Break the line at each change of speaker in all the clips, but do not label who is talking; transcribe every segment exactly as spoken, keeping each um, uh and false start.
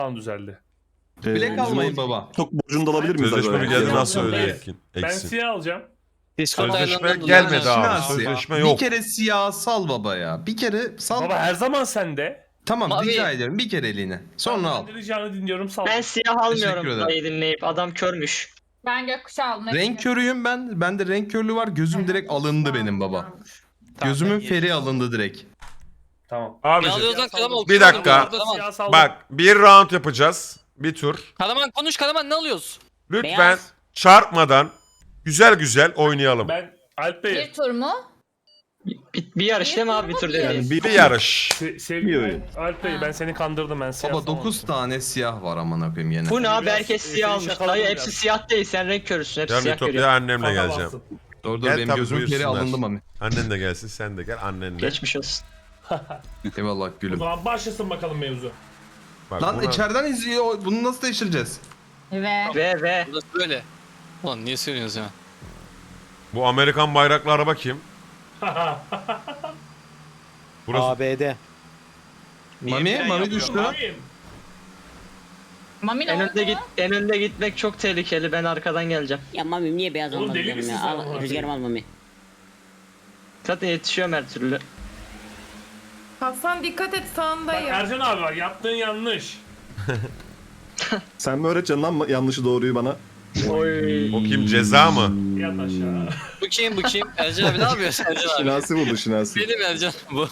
Tamam düzeldi.
Ee,
Bilek almayın baba.
Çok borcunu da alabilir miyiz?
Sözleşme
acaba?
bir geldi
Ben-
nasıl
Ben-
öyle
Ben-
etkin?
Ben
Eksin.
siyah alacağım.
Sözleşme
Discord'dan
gelmedi abi.
Şinasi,
Sözleşme
Bir
yok.
kere siyah sal baba ya. Bir kere sal.
Baba her zaman sende.
Tamam
Mavi.
rica ediyorum. Bir kere eline. Sonra al.
Ben de ricanı dinliyorum sal.
Ben siyah
Teşekkür
almıyorum
ederim.
burayı dinleyip. Adam körmüş.
Ben gökkuşağı almak
Renk körüyüm ben. Bende renk körlüğü var. Gözüm direkt alındı benim baba. Gözümün feri alındı direkt.
Tamam.
Ne
Abicim
alıyoruz lan Karaman?
Bir dakika.
Karaman.
Siyah saldım.
bak bir round yapacağız. Bir tur.
Karaman konuş Karaman ne alıyoruz?
Lütfen
Beyaz.
çarpmadan güzel güzel oynayalım.
Ben Alp Bey.
Bir tur mu?
Bir, bir yarış değil mi abi bir tur dediğin?
Yani
Bir yarış.
Se
Bir
sevgili
oyun.
Alp Bey ben seni kandırdım ben siyah
Baba
salmamıştım.
dokuz tane siyah var amına koyayım yine.
Bu ne abi
Biraz-
herkes
seni
siyah almış.
şakaladım
Hayır
biraz.
hepsi siyah değil sen renk körüsün. Hepsi
Ben
siyah
Ütopya
görüyor.
annemle
Kafa
geleceğim.
bastın.
Dur dur
Gel
benim
tabii,
gözümün feri
buyursunlar.
alındı mami.
Annen de gelsin sen de gel annenle.
Geçmiş olsun.
Eyvallah
O
gülüm.
zaman başlasın bakalım mevzu.
Bak,
Lan
buna-
içeriden izliyor. Bunu nasıl değiştireceğiz?
Ve
Ve ve.
Burası böyle. Ulan niye söylüyorsunuz ya?
Bu Amerikan bayraklı araba kim? Burası
A B D.
Mami, Mami düştü.
Mami,
Mami ne
En
oldu?
önde git en önde gitmek çok tehlikeli. Ben arkadan geleceğim.
Ya Mami niye beyaz
Oğlum
almadın
deli
canım
misin
ya?
sen
Al,
amına
rüzgarım al Mami.
Zaten yetişiyorum her türlü.
Hasan dikkat et
Bak
sağındayım.
Ercan abi var yaptığın yanlış.
Sen mi öğreteceksin lan yanlışı doğruyu bana?
Oy.
o kim ceza mı?
Yat aşağı.
Bu kim bu kim? Ercan abi ne yapıyorsun Ercan abi?
Şinasi buldu Şinasi.
Benim Ercan bu.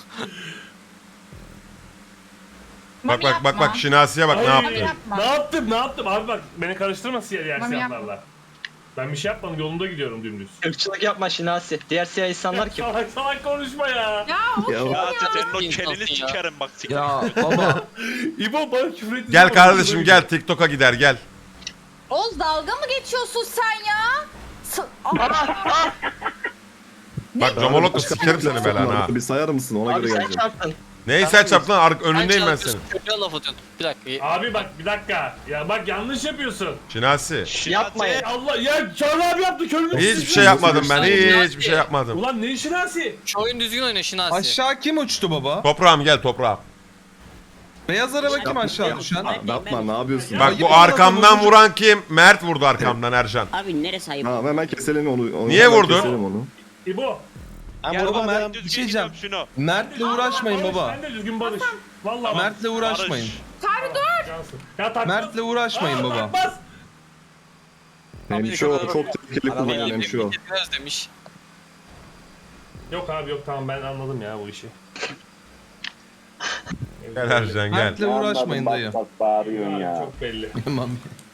Bak bak bak bak Şinasi'ye bak ne
Ay,
yaptı?
yapma.
Ne yaptım ne yaptım abi bak beni karıştırma siyah diğer
Mami
siyahlarla. Ben bir şey yapmadım yolunda gidiyorum dümdüz.
Irkçılık yapma Şinasi. Diğer siyah insanlar kim?
Salak salak konuşma ya.
Ya of
Ya,
Ya senin o
İnsansın
çeneni
ya.
sikerim bak siktir.
Ya baba.
İbo bana küfür ettin.
Gel kardeşim gel TikTok'a gider gel.
Oğuz dalga mı geçiyorsun sen ya? S- Aa,
Bak Comolok'la sikerim seni belanı ha.
Bir sayar mısın ona
Abi
göre
sen
geleceğim.
çarptın.
Neyi sen çarptın lan Ar- önündeyim ben senin.
Köpeğe laf atıyorsun. Bir dakika.
Abi bak bir dakika. Ya bak yanlış yapıyorsun.
Şinasi.
Yapma ya.
Allah ya Çağrı abi yaptı körünü.
Hiçbir şey yapmadım ben hiçbir şey yapmadım.
Ulan ne işin asi?
Şu oyun düzgün oyna Şinasi.
Aşağı kim uçtu baba?
Toprağım gel toprağım.
Beyaz araba kim aşağı düşen?
Yapma ne yapıyorsun?
Bak
Ayıp
bu
olan
arkamdan
adamı-
vuran kim? Mert vurdu arkamdan Ercan.
Abi neresi ayıp?
Tamam hemen keselim onu. onu
Niye
hemen
vurdun?
Keselim onu.
İbo.
Ben
Gel
baba,
vurmadım.
Mert-
düzgün
bir şey diyeceğim.
gidiyorum şunu.
Mert'le uğraşmayın
Barış,
baba.
Ben de düzgün barış. Vallahi
Mert'le uğraşmayın.
Çağrı dur. Cansın. Ya takmaz.
Mert'le uğraşmayın
Aa,
baba.
takmaz.
Hemşo çok tehlikeli kullanıyor hemşo.
Biraz demiş.
Yok abi yok tamam ben anladım ya bu işi.
Gel Ercan gel.
Mert'le uğraşmayın dayı.
Abi, çok belli.
Mami.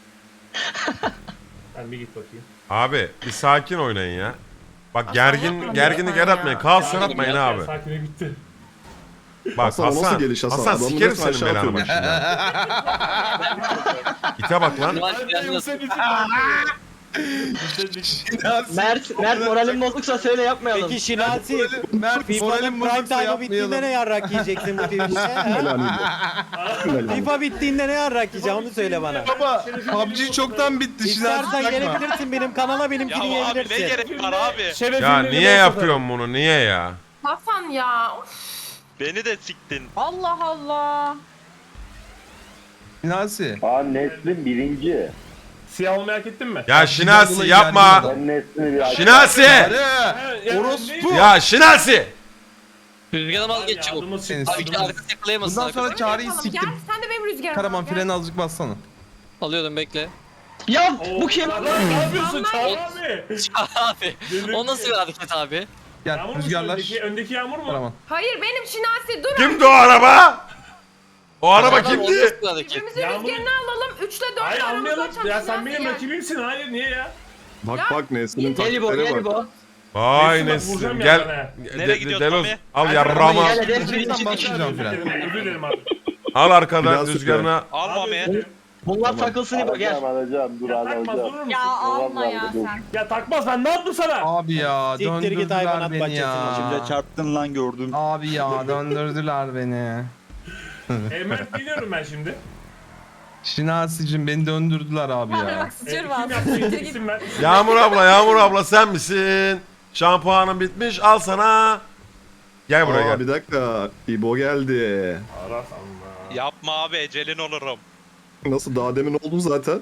Sen bir git bakayım.
Abi bir sakin oynayın ya. Bak gergin
yapma
gerginlik
lütfen
yaratmayın.
ya.
Kaos
Ya,
yaratmayın
ya,
abi.
Sakine gitti.
Bak
Hasan, o nasıl
Hasan.
geliş Hasan?
Hasan
Adamı
sikerim
resmen
senin
aşağı
belanı bak
atıyor.
şimdi. İte bak lan.
Şinasi yalnız.
Senin için
Mert, Mert moralin bozuksa söyle yapmayalım.
Peki Şinasi,
Mert
FIFA'nın
moralim
prime
bozuksa
time'ı bittiğinde ne
yapmayalım.
yarrak yiyeceksin bu Twitch'te?
Helal olsun.
FIFA bittiğinde ne yarrak yiyeceksin onu söyle bana.
Baba P U B G çoktan bitti.
İstersen
Şinasi takma.
gelebilirsin benim kanala
Ya
benimkini
abi ne
yiyebilirsin.
gerek var abi?
Ya niye yapıyorsun bunu? Niye ya?
Hasan ya. Of.
Beni de siktin.
Allah Allah.
Şinasi.
Aa Neslin birinci.
Siyah olmayı hak ettin mi?
Ya Şinasi yapma.
Ben Neslin'i bir
Şinasi!
Arı. Orospu.
Ya Şinasi!
Rüzgarım al geç çabuk.
Yardımımız
Senin
çıktı.
Abi iki arkası yakalayamasın.
Bundan sonra
arkadaşlar.
Çağrı'yı
Gel
siktim.
sen de benim rüzgarım.
Karaman freni azıcık bassana.
Alıyorum bekle.
Ya
Oo,
bu kim?
Lan ne yapıyorsun Çağrı abi?
abi. O nasıl bir hareket abi?
Gel
Yağmur musun?
rüzgarlar.
Öndeki, öndeki yağmur mu?
Karaman.
Hayır benim Şinasi dur.
Kimdi o araba? O araba
Adam o
kimdi?
nasıl bir hareket?
Birbirimize
Yağmur-
rüzgarını alalım. üçle dört
Hayır
aramızda
anlayalım.
açalım.
Ya sen
Şinasi
benim
gel.
rakibimsin. Hayır niye ya?
Bak bak Nesli'nin
Gel bu,
taktiklere
gel
bak.
bu.
Vay
Nesin, bak, vuracağım
Nesin
ya
gel.
bana.
Nereye
De-
gidiyorsun
Deloz
Mami?
al
Hadi
yarrağımı.
Gel hadi
Lütfen
hepsini
başlayacağım
Özür
fren.
dilerim, özür dilerim abi.
Al arkadan
Biraz
rüzgarına.
Al
Abi, özür
Mami.
dilerim.
Bunlar takılsın İbo gel.
Alacağım alacağım dur
Ya
al
takmaz
alacağım.
durur musun?
Ya alma ya
Dur.
sen.
Ya takmaz ben ne yaptım sana?
Abi ya
Siktir git hayvanat
döndürdüler beni
bahçesine
ya.
şimdi çarptın lan gördüm.
Abi ya döndürdüler beni.
E, Mert geliyorum ben şimdi.
Şinasi'cim beni döndürdüler abi
Hadi
ya.
bak
E,
sıçır
kim
var.
yaptı?
Siktir git.
İsim ver.
Yağmur abla Yağmur abla sen misin? Şampuanın bitmiş al sana. Gel buraya
Aa
gel.
bir dakika. İbo geldi.
Aras Allah.
Yapma abi ecelin olurum.
Nasıl daha demin oldun zaten.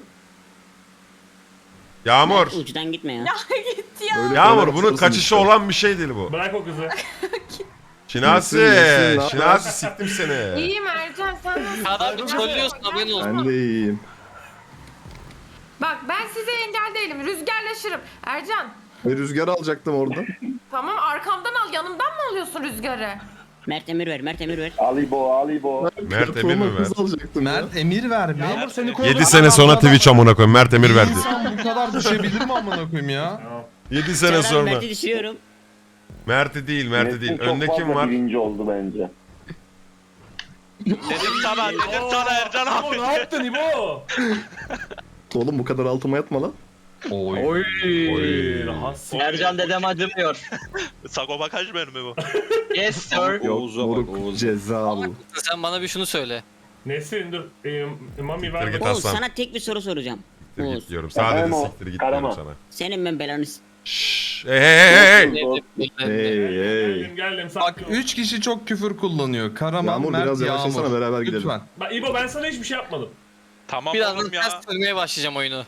Yağmur.
Uçtan gitme ya.
Gitti ya.
Öyle
Yağmur
öyle
bunun
atılırsın
kaçışı
işte.
olan bir şey değil bu.
Bırak o kızı.
Şinasi.
Nesin, nesin, ne
Şinasi siktim seni.
İyiyim Ercan sen nasılsın?
Kaan abi trollüyorsun haberin olsun.
Ben de iyiyim.
Bak ben size engel değilim. Rüzgarlaşırım. Ercan
Bir rüzgar alacaktım oradan.
tamam arkamdan al. Yanımdan mı alıyorsun rüzgarı?
Mert emir ver, Mert emir ver.
Alibo, Alibo.
Mert Emir mi ver?
Hız alacaktım ya.
Mert emir ver mi?
Yağmur seni korudu.
yedi sene sonra Twitch amına koyayım. Mert Emir
Bir
verdi.
İnsan bu kadar düşebilir mi amına koyayım ya?
yedi sene
Çağrı abi,
sonra.
Mert'i düşürüyorum.
Mert'i değil, Mert'i
Nesin
değil.
çok
Önde kim
fazla
var?
birinci oldu bence.
Dedim sana, dedim sana Ercan
İbo
abi.
ne yaptın İbo?
Oğlum bu kadar altıma yatma lan.
Oy.
Oy.
Oy.
Rahatsız.
Ercan dedem acımıyor.
Sagopa Kajmer mi bu?
Yes sir.
Yok
Oğuz'a bak,
moruk
Oğuz'a.
ceza bu.
Sen bana bir şunu söyle.
Nesin dur. Ee, Mami ver.
Git
bana.
Oğuz
Aslan.
sana tek bir soru soracağım.
Siktir
Oğuz.
git diyorum. Sadece
Efendim o,
siktir git diyorum
Karaman.
sana.
Senin ben belanı s-
Şşş. Hey hey hey hey.
Hey hey.
Geldim geldim.
Bak
sakin ol.
üç kişi çok küfür kullanıyor. Karaman,
Yağmur
Mert,
biraz yavaşlasana
Yağmur.
beraber gidelim.
Lütfen.
Bak İbo ben sana hiçbir şey yapmadım.
Tamam
Birazdan
oğlum ya.
ters dönmeye başlayacağım oyunu.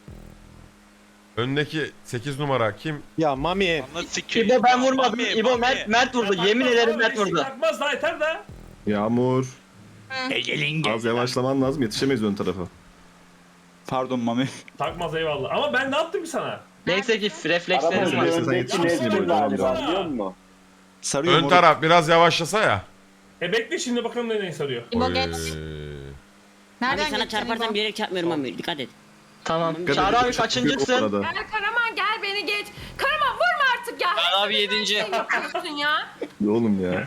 Öndeki sekiz numara kim?
Ya Mami.
Anla sikeyim.
İbo ben
Ya,
vurmadım.
Mami,
İbo
Mami.
Mert, Mert vurdu.
Ya
Yemin
takmaz
ederim
abi,
Mert
eksik
vurdu.
Takmaz daha yeter de.
Yağmur. Az yavaşlaman lazım yetişemeyiz ön tarafa.
Pardon Mami.
Takmaz eyvallah. Ama ben ne yaptım ki sana?
Neyse ki reflekslerim
Aramızda
var.
Sen
öndeki
yetişmişsin
Nesin
İbo,
galiba
tamam.
biliyor musun?
Sarıyor
Ön
moruk.
taraf biraz yavaşlasa ya.
E bekle şimdi bakalım ne neyi sarıyor.
İbo
Oy.
geç.
Mami
Nereden
sana
geçeceksin
çarparsam
İbo?
bilerek çarpmıyorum Mami. Dikkat et.
Tamam.
Dikkat
Çağrı
edin,
abi
çok
kaçıncısın?
büyük o arada.
Gel Karaman gel beni geç. Karaman vurma artık ya.
Kaan abi yedinci.
Ne yapıyorsun ya?
Oğlum ya.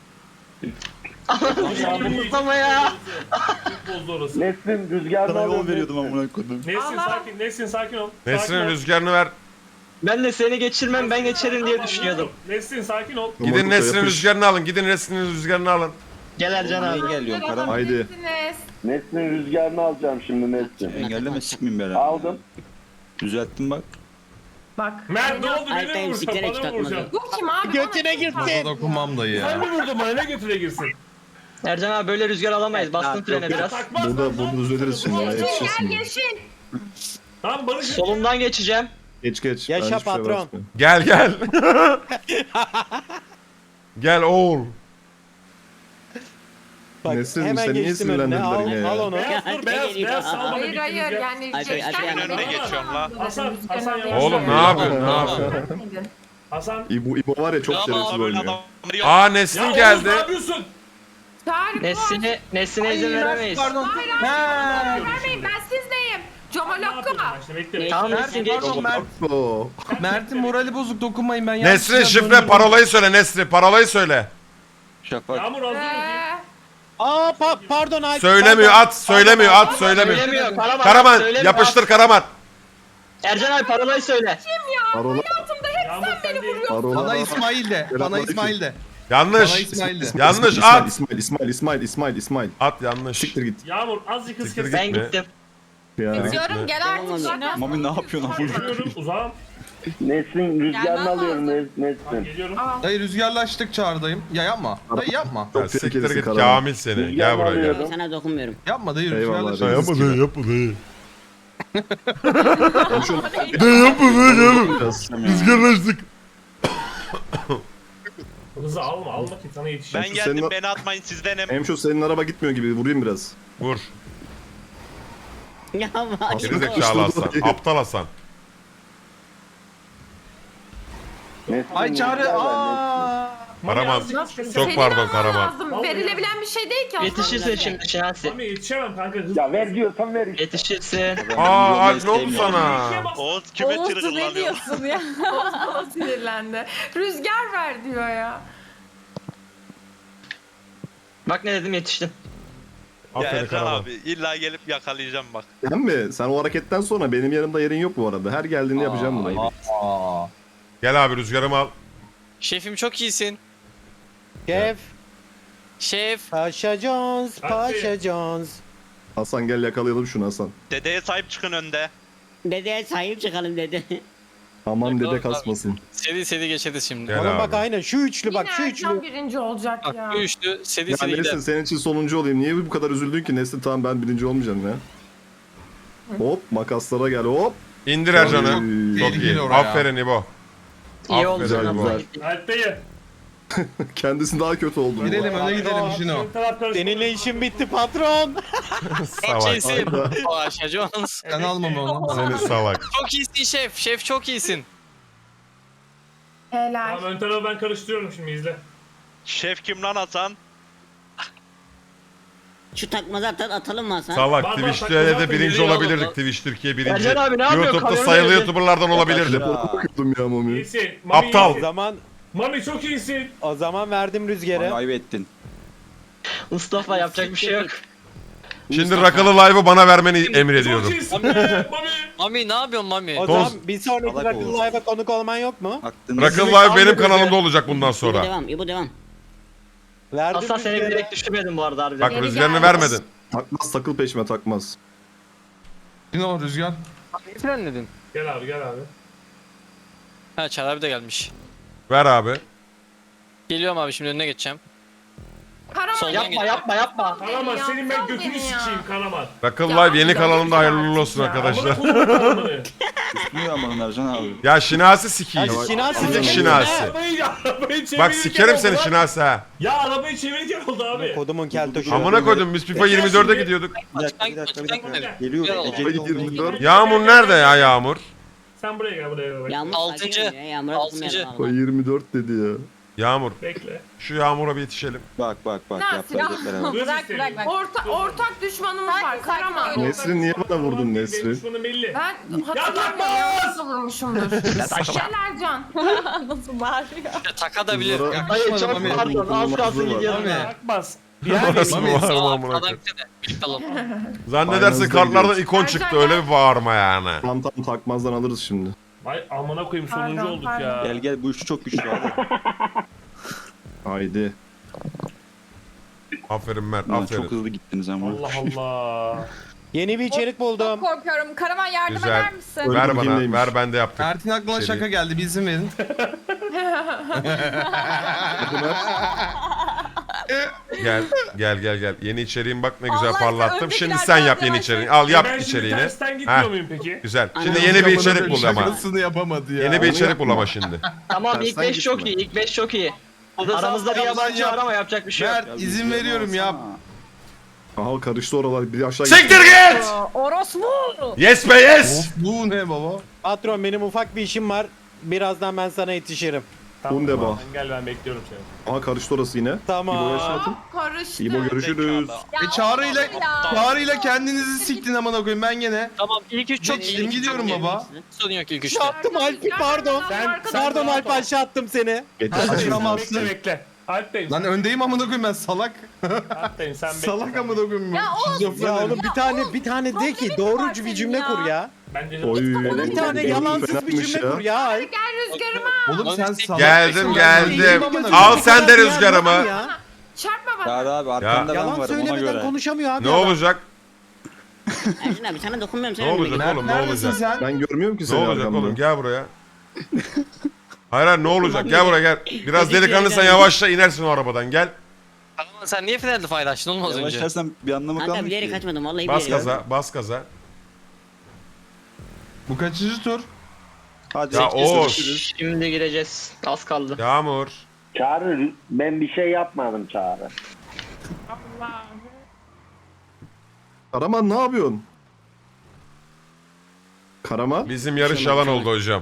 Ama ya.
Çok bozdu orası.
Nesin rüzgarını
Sana yol
alıyor.
veriyordum
Nesin.
amına koydum.
Nesin
Allah.
sakin, Nesin sakin ol. Sakin
Nesrin
ol.
rüzgarını ver.
Ben de seni geçirmem ben geçerim diye düşünüyordum.
Nesin sakin ol.
Gidin
Moruk'la
Nesrin
yapış.
rüzgarını alın. Gidin Nesrin rüzgarını alın.
Gel Ercan abi.
Engelliyorum Karaman.
Haydi.
Nesin rüzgarını alacağım şimdi Nesin.
Engelleme sikmeyeyim belanı.
Aldım.
Düzelttim bak.
Bak.
Mert ne oldu?
Ay,
Beni
ben
mi
sikerek
vuracaksın? Bana mı
takmadım.
vuracaksın?
Bu kim abi?
Götüne girdi.
Kafa dokunmam dayı
Sen
ya.
mi vurdun bana? Ne götüre girsin?
Ercan abi böyle rüzgar alamayız. Bastın frene
Ya
biraz.
takmaz lan,
Burada
ne
bunu
yapıyorsun?
düzeliriz şimdi ya.
Ulan,
Yetişirsin.
Gel yeşil.
Tamam Barış.
Solundan geçeceğim.
Geç geç.
Yaşa
Ben hiçbir şey
patron.
basmıyorum.
Gel gel. Gel oğul.
Bak
Nesin,
hemen
sen niye
geçtim önüne. Al,
sinirlendirdin ya?
al onu.
Beyaz dur beyaz
geliyor.
beyaz salma
Hayır
bir
hayır
rüzgar.
yani.
Ay, ay, ay,
geçten
ay,
beri
ay, geçiyorum la.
Hasan, Hasan
Rüzgarın
yavaş.
Oğlum ne yapıyorsun? Ne yapıyorsun?
Hasan.
İbo, İbo var ya çok
Tamam,
şerefsiz
Böyle
oynuyor.
adamları yok.
Aa
Ya
Nesrin
Oğuz,
geldi.
ne yapıyorsun?
Tarık
Nesine, Nesine izin veremeyiz.
Pardon. Mert.
vermeyin ben sizdeyim.
Ne yapıyorsun
Comolokko.
ben işte bekle.
Tamam
Mert,
Nesin geç.
pardon, Mert.
Oo.
Mert'in morali bozuk dokunmayın ben yanlış
Nesrin
yere
şifre
döndüm.
parolayı söyle Nesrin. Parolayı söyle.
Şafak.
Yağmur hazır mı?
Ee,
Aa pa pardon Alp.
Söylemiyor
pardon.
at. Söylemiyor at. Söylemiyor.
Söylemiyor. Karaman.
Karaman
söylemiyor.
yapıştır Karaman.
Ercan abi parolayı söyle.
Parola.
Yağmur sen değil.
Parola.
Bana İsmail de. Bana
Selamünaleyküm.
İsmail de.
Yanlış.
Bana İsmail de.
Yanlış
İsmail,
at.
İsmail, İsmail, İsmail, İsmail, İsmail.
At yanlış.
Siktir git.
Yağmur azıcık hız
Siktir
kes.
git.
Ben
Gitme.
gittim.
Ya.
Diyorum gel artık
Tamam,
şaka.
Mami ne yapıyorsun amına?
Geliyorum uzağım.
Nesin rüzgarını
Gelmem
alıyorum
lazım.
Nes-
Tamam,
Nesin.
geliyorum.
Dayı rüzgarlaştık çağırdayım. Ya yapma. Dayı yapma.
Ya
Çok
siktir
tehlikelisin
git
Karaman.
Kamil seni. Gel
Rüzgarını
buraya gel.
alıyorum.
Sana dokunmuyorum.
Yapma dayı
Eyvallah,
rüzgarlaştık.
dayı.
Yapma dayı yapma dayı.
Biraz.
Rüzgarlaştık.
Hızı alma alma ki sana yetişeyim.
Ben
Şu
geldim
senin-
beni atmayın sizdenim.
Hem şu senin araba gitmiyor gibi vurayım biraz.
Vur.
Ya bak.
Gerizekalı Hasan. Aptal Hasan.
Nesin
Ay Çağrı.
rüzgarını
Aa.
Karaman.
Nasıl-
Çok pardon Karaman.
Lazım. Verilebilen bir şey değil ki. aslında.
Yetişirsin şimdi Şinasi.
Mami yetişemem kanka hız.
Ya ver diyorsan ver işte.
Yetişirsin.
Aa Alp ne oldu sana?
Oğuz kime
Oğuz ne
tırgırlanıyor?
diyorsun ya? Oğuz bana sinirlendi. Rüzgar ver diyor ya.
Bak ne dedim yetiştim.
Ya
Aferin
Ercan
Karaman.
abi illa gelip yakalayacağım bak.
Sen mi? Sen o hareketten sonra benim yanımda yerin yok bu arada. Her geldiğinde yapacağım bunu.
Aa.
Gel abi rüzgarımı al.
Şefim çok iyisin.
Şef.
Şef.
Paşa Jones. Paşa Jones.
Hasan gel yakalayalım şunu Hasan.
Dedeye sahip çıkın önde.
Dedeye sahip çıkalım dedi.
Aman
Yok,
dede
yok,
kasmasın.
Seri seri geçeriz şimdi.
Gel
Oğlum bak
abi.
aynen şu üçlü bak şu
Yine
üçlü.
Ercan birinci olacak
Bak
ya.
bu üçlü seri
Ya
seri gider.
Nesin senin için sonuncu olayım. Niye bu kadar üzüldün ki Nesin? Tamam ben birinci olmayacağım ya. Hop makaslara gel hop.
İndir Ercan'ı.
Oy.
Çok iyi.
Tehlikeli oraya.
Aferin İbo.
İyi oldu.
Aferin
Güzel,
İbo.
güzel.
Alp Bey'i.
Kendisi daha kötü oldu. bu
Gidelim
arada.
öne gidelim Jino.
Ön taraf karıştı.
Seninle işim bitti patron.
Çok
Salak.
iyisin. Paşa Jones.
Sen almam onu.
Seni salak.
Çok iyisin şef. Şef çok iyisin.
Helal.
Tamam ön tarafı ben karıştırıyorum şimdi izle.
Şef kim lan Hasan?
Şu takmazı at, atalım mı Hasan?
Salak.
Bak, bak,
Twitch'te
bak,
de
bak,
birinci
geliyor
olabilirdik.
oğlum.
Twitch Türkiye birinci.
Ercan abi ne yapıyor?
YouTube'da
Kamera
sayılı
nerede?
YouTuber'lardan olabilirdim.
Telefona bakıyordum ya Mami.
İyisin. Mami
Aptal.
O
iyisin.
zaman
Mami çok iyisin.
o zaman verdim rüzgarı.
Kaybettin. Mustafa yapacak bir şey yok.
Şimdi Rakalı Live'ı bana vermeni
Çok
emrediyorum.
iyisin be Mami.
Mami ne yapıyorsun Mami?
O
Toz-
zaman bir sonraki Rakıl Live'a konuk olman yok mu?
Rakalı Live benim kanalımda olacak bundan
İbo
sonra.
devam, İbo devam.
Verdim
Aslan seni
rüzgarı.
bilerek düşürmedim bu arada harbiden.
Bak
Geri
rüzgarını
geldi.
vermedin.
Takmaz takıl peşime takmaz.
Jino rüzgar.
Neyi frenledin?
Gel abi gel abi.
Ha Çağrı abi de gelmiş.
Ver abi.
Geliyorum abi şimdi önüne geçeceğim.
Karaman
Soldan
Yapma
geçeceğim.
yapma yapma.
Karaman senin ben
Yapsam
götünü
beni ya.
sikeyim Karaman.
Rakalı
Ya
Live yeni
abi,
kanalımda
ya.
hayırlı olsun arkadaşlar.
Amına koyayım Karaman'ı.
Ya Şinasi sikeyim.
Hadi Şinasi
Sikik
sikeyim.
Şinasi.
Arabayı, arabayı çevirirken
Bak sikerim
oldu
seni
lan.
Şinasi ha.
Ya arabayı çevirirken oldu abi.
Kodumun keltoşu.
Amına koydum biz FIFA yirmi dörde gidiyorduk.
Açıktan açıktan gidelim.
Geliyor.
Gel
Ay
oğlum.
yirmi dört.
Yağmur nerede ya Yağmur?
Sen buraya gel buraya gel.
Yağmur
Altıncı.
sakin ol ya, Yağmur'a
Altıncı.
dokunmayalım
Ay
abi.
yirmi dört dedi ya.
Yağmur
Bekle.
şu Yağmur'a bir yetişelim.
Bak bak bak
Nasıl ya? Bırak bırak bırak.
Orta, ortak düşmanımız var.
Sakin, sakin
Karaman.
ol.
Nesrin niye bana vurdun Nesrin?
Benim düşmanım belli.
Ben
takmaz!
hatırlamıyorum. Nasıl vurmuşumdur. Gel Ercan.
Nasıl bağırıyor?
Taka da bilir.
Bunlara-
Hayır çok
Mami.
pardon az kalsın gidiyordum
Mami.
ya.
Takmaz.
Nasıl
Mami,
bağırma
Sağ
amına
arkadan
koyayım.
gide de. Birlikte alalım.
Zannedersin
Aynı hızda
kartlardan
gidiyoruz.
ikon çıktı öyle bir bağırma yani.
Tam tam takmazdan alırız şimdi.
Ay amına koyayım sonuncu
Pardon,
olduk
pardon.
ya.
Gel gel bu üçlü çok güçlü abi.
Haydi.
Aferin Mert
Ulan
aferin.
çok hızlı gittiniz ama.
Allah Allah.
Yeni bir içerik
Çok
buldum.
korkuyorum. Karaman yardım
Güzel.
eder misin?
Öyle
Ver
bakayım
bana
neymiş.
ver ben de yaptım.
Mert'in aklına
Seri.
şaka geldi bir izin verin.
Gel gel gel gel. Yeni içeriğim bak ne güzel
Allah
parlattım.
önceki
Şimdi
biraz
sen
daha
yap yeni
yavaş
içeriğini.
yavaş.
Al yap
E ben şimdi
içeriğini.
tersten gitmiyor
Heh.
muyum peki?
Güzel.
Aynen.
Şimdi yeni bir
Amına
içerik
koyayım,
bul hemen.
Şakasını yapamadı ya.
Yeni bir
Onu
içerik bul
yapma.
ama şimdi.
Tamam ilk
Tersten
beş çok
gitme.
iyi ilk beş çok iyi. Aramızda bir
Yap lan,
yabancı
yap.
var ama yapacak bir şey yok.
Mert izin veriyorum ya.
Aha karıştı oralar. Bir aşağı
Siktir git!
Orospu.
Yes be yes!
Of bu ne baba?
Patron benim ufak bir işim var. Birazdan ben sana yetişirim.
Tamam,
Bunda
tamam.
bak.
Gel ben bekliyorum seni.
Aha karıştı orası yine.
Tamam.
İbo'ya şey atın.
Karıştı.
İbo görüşürüz.
Ya
E Çağrı ile
oğlum ya.
Çağrı ile kendinizi siktin amına koyayım ben gene.
Tamam ilk üç çok iyi.
Geçtim
ilk üç
gidiyorum
çok iyi.
baba.
Sorun yok ilk üçte.
Attım Alp'i pardon.
Sen- sen
Pardon
rahat
Alp
ol.
aşağı attım seni.
Getir.
Hadi
Açın.
tamam.
Bekle bekle. Alp'teyim.
Lan öndeyim amına koyayım ben salak.
Alp'teyim sen bekle.
Salak amına koyayım.
Ya oğlum,
Şizofren
Ya
herif.
oğlum bir tane bir tane de ki
problemin var
doğrucu
senin
bir cümle
ya.
kur ya.
Bence
Oy.
Bir tane yalansız bir
Fenaymış
cümle kur ya. Alp.
Gel rüzgarıma.
Oğlum sen salak.
Geldim geldim.
Gözünü
Al sen de
seveyim
rüzgarımı.
ya.
Çarpma bana.
abi
arkanda
Yalan söylemeden konuşamıyor abi.
Ne
adam.
olacak?
Ercan abi sana dokunmuyorum.
Ne
Sen
olacak
önüme
oğlum ne
Neredesin
olacak?
sen?
Ben görmüyorum ki
Ne
seni
olacak
arkamda.
oğlum gel buraya. Hayır hayır ne olacak gel buraya gel. Biraz
Dedik
delikanlıysan
ya,
yavaşla inersin o arabadan gel.
Tamam sen niye frenle paylaştın oğlum az önce?
Yavaşlarsan bir anlamı
Kanka
kalmıyor
bilerek
ki.
kaçmadım vallahi
Bas
bilerek.
gaza bas gaza.
Bu kaçıncı tur?
Hadi.
Ya Oğuz.
Şimdi gireceğiz. Az kaldı.
Yağmur.
Çağrı ben bir şey yapmadım Çağrı.
Allah.
Karaman ne yapıyorsun? Karaman?
Bizim yarış yalan oldu hocam.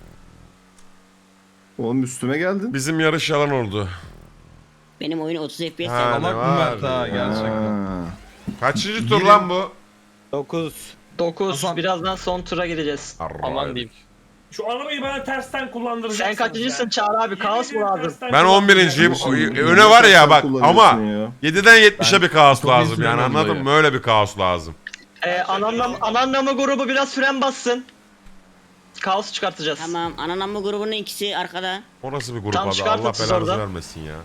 Oğlum üstüme geldin.
Bizim yarış yalan oldu.
Benim oyunu otuz F P S
Ha,
yaptım.
ne
Salak mı
var
Mert ha
ya?
gerçekten.
Ha.
Kaçıncı tur lan bu?
dokuz.
dokuz.
Hasan-
Birazdan son tura gireceğiz.
Aman diyeyim.
Şu arabayı bana tersten kullandıracaksın.
Sen kaçıncısın Çağrı abi? Kaos mu lazım?
Ben on birinciyim.
Kardeşim,
Öne var ya
sen
bak
kullanıyorsun
ama
ya.
yediden yetmişe bir kaos
çok
lazım yani
izlemedim
anladın
dayı.
mı? Öyle bir kaos lazım.
Ee, ananlam, ananlamı grubu biraz fren bassın. Kaos çıkartacağız.
Tamam ananamma grubunun ikisi arkada.
O nasıl bir grup
Tam
abi
çıkartın
Allah
siz
belanızı
oradan.
vermesin ya.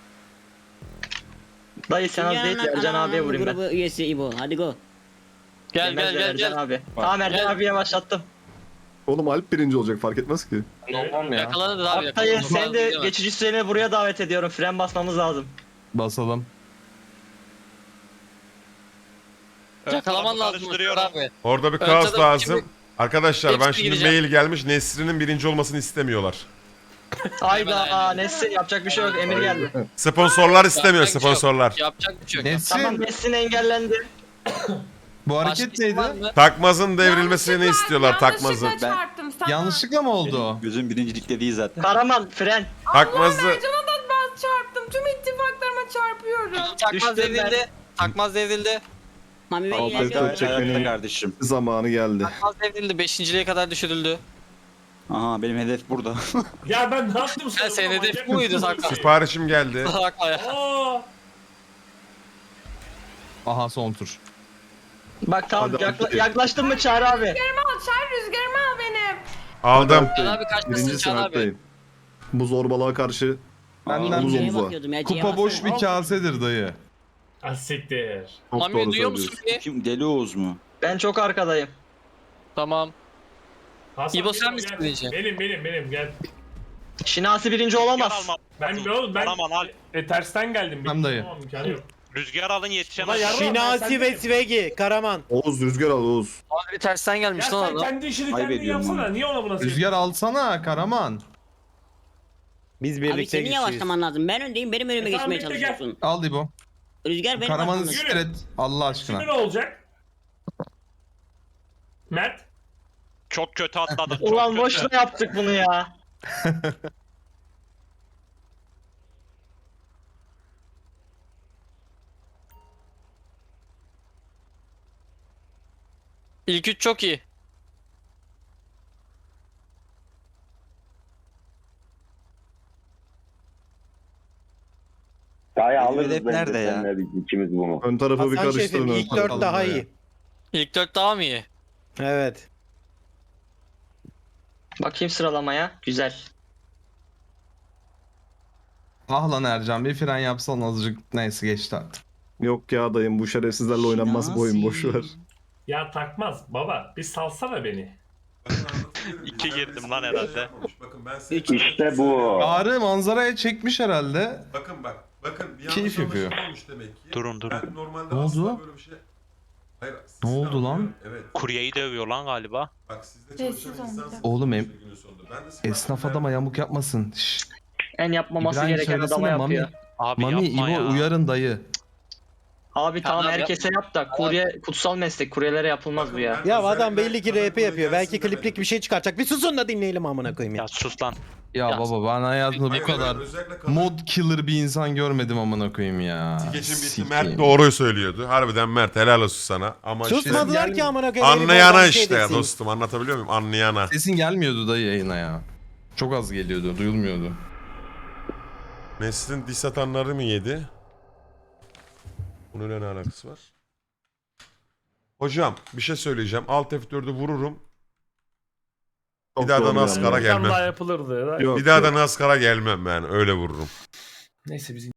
Dayı sen az değil
Dünyanın
Ercan abiye
ananamma
vurayım ben.
grubu üyesi İbo. Hadi go.
Gel gel
Yemezler
gel
Ercan
gel.
abi. Tamam Ercan
Gel.
abiye başlattım.
Oğlum Alp birinci olacak fark etmez ki.
Yakalanır abi.
Haftayı
yakalanır.
sen de
Yakalanır.
geçici süreni buraya davet ediyorum. Fren basmamız lazım.
Basalım.
Yakalaman lazım
Karıştırıyorum.
abi.
Orada bir
Ön
kaos
taraf
lazım.
kimi-
Arkadaşlar ben
Hepsi
şimdi
gireceğim.
mail gelmiş. Nesrin'in birinci olmasını istemiyorlar.
Hayda Nesrin yapacak bir şey yok. Emir geldi.
Sponsorlar istemiyor
Yapacak bir şey yok.
sponsorlar.
Yapacak bir şey yok.
Tamam
Nesrin
Nesrin engellendi.
bu
Başka
hareket
isim var
neydi?
mı?
Takmazın devrilmesini
Yanlışlıkla-
istiyorlar takmazın.
Yanlışlıkla çarptım sana.
Yanlışlıkla mı oldu o?
Gözüm birincilikte değil zaten.
Karaman fren.
Takmazı
Ercan'a da ben çarptım. Tüm ittifaklarıma çarpıyorum.
Takmaz
Düştüm
devrildi. Takmaz devrildi.
Mami Bey
Alt
ilerliyor.
F dört çekmenin
kardeşim.
zamanı geldi.
Takmaz devrildi. Beşinciliğe kadar düşürüldü.
Aha benim hedef burada.
Ya ben ne yaptım sana?
Sen senin
Manyak
hedef bu muydu
mısın?
Sakar?
siparişim geldi.
Hakla ya.
Aa,
Aha son tur.
Bak tamam
Hadi
yakla-
abi.
yaklaştın mı Çağrı abi?
Rüzgarımı al, çağır rüzgarımı al benim.
Aldım.
Can abi kaçmasın
Birinci
Can abi.
sınıftayım. Bu zorbalığa karşı
Benden
omuz
Şeye
omuza.
bakıyordum ya. C'ye
kupa boş
baksana.
bir kasedir dayı.
ah, siktir.
Çok
Mami
doğru
duyuyor musun
söylüyorsun.
beni?
Kim Deli Oğuz mu?
Ben çok arkadayım.
Tamam.
Hasan,
İbo,
gel,
sen misin
gel.
birinci?
Benim benim benim gel.
Şinasi birinci
Rüzgar
olamaz.
alma.
Ben ne oğlum ben
Aman al.
e, tersten geldim.
Tamam dayı.
Tamam, imkanı yok.
Rüzgar alın
Ulan
yetişemez.
yarın-
Şinasi ve Svegi, Karaman.
Oğuz rüzgar al Oğuz.
Abi tersten
Ya
gelmiş lan
sen
adam.
kendi işini
Ayıp
kendin
ediyorum
yapsana.
abi.
Niye ona buna
Rüzgar alsana Karaman.
Biz
Abi
birlikte
senin
güçlüyüz.
yavaşlaman lazım. Ben öndeyim. Benim önüme
E tamam,
geçmeye
bekle, gel.
çalışıyorsun.
Al İbo.
Rüzgar benim
Karaman'ı
arkamda.
siktir et. Allah aşkına.
Şimdi ne olacak? Mert?
Çok kötü atladık. Çok
Ulan
kötü.
boşuna yaptık bunu ya.
İlk üç çok iyi.
Benim Dayı alırız hedef bence nerede ya? seninle biz ikimiz bunu.
Ön tarafı bir
Hasan
karıştırın.
şefim
ön
ilk
tarafı.
dört daha iyi.
İlk dört daha mı iyi?
Evet.
Bakayım sıralamaya. Güzel.
Ah lan Ercan bir fren yapsan azıcık neyse geçti artık.
Yok ya dayım bu şerefsizlerle oynanmaz bu oyun boş ver.
Ya takmaz baba. Bir salsana beni.
İki girdim lan herhalde.
Bakın ben size-
İşte bu.
Çağrı manzaraya çekmiş herhalde.
Bakın bak. Bakın bir
Keyif
yanlış
yapıyor.
anlaşılma olmuş demek ki.
Durun, durun.
Ben normalde
Ne
asla
oldu?
böyle bir şey... Hayır,
Ne
sizi
oldu lan?
anlıyorum, Evet.
Kuryeyi dövüyor lan galiba.
Bak sizde
Sessiz
çalışan
olun
insansınız.
biraz.
Oğlum em-
günün sonunda. Ben de sizin
Esnaf
hakkında-
adama yamuk yapmasın. Şşş.
En yapmaması
İbrahim
gereken adama
söylesene Mami.
yapıyor.
Abi
Mami
yapma
İbo
ya.
uyarın dayı.
Abi tamam
Tamam,
herkese yap da kurye kutsal meslek. Kuryelere yapılmaz bu ya.
Ben
Ya
özellikle
adam belli ki
kadın
R P yapıyor.
kurye
Belki
gelsin
kliplik
demedim.
bir şey çıkaracak. Bir susun da dinleyelim amına koyayım ya.
Ya sus lan.
Ya,
Ya,
baba ben hayatımda bu
Hayır,
kadar
özellikle kadın-
mod killer bir insan görmedim amına koyayım ya.
Geçin bitti.
Sikeyim.
Mert doğruyu söylüyordu. Harbiden Mert helal olsun sana. Ama işte
Susmadılar ki amına koyayım. herif
anlayana
oradan bir şey
işte ya
desin.
dostum. Anlatabiliyor muyum? Anlayana.
Sesin gelmiyordu dayı yayına ya. Çok az geliyordu, duyulmuyordu.
Neslin diss atanları mı yedi? Bunun ne alakası var? Hocam bir şey söyleyeceğim. Alt F dördü vururum.
Çok
Bir daha da
doğru
NASCAR'a
yani.
Tam daha
gelmem.
yapılırdı.
Yok,
Bir daha
yok.
da NASCAR'a gelmem ben. Öyle vururum.
Neyse bizim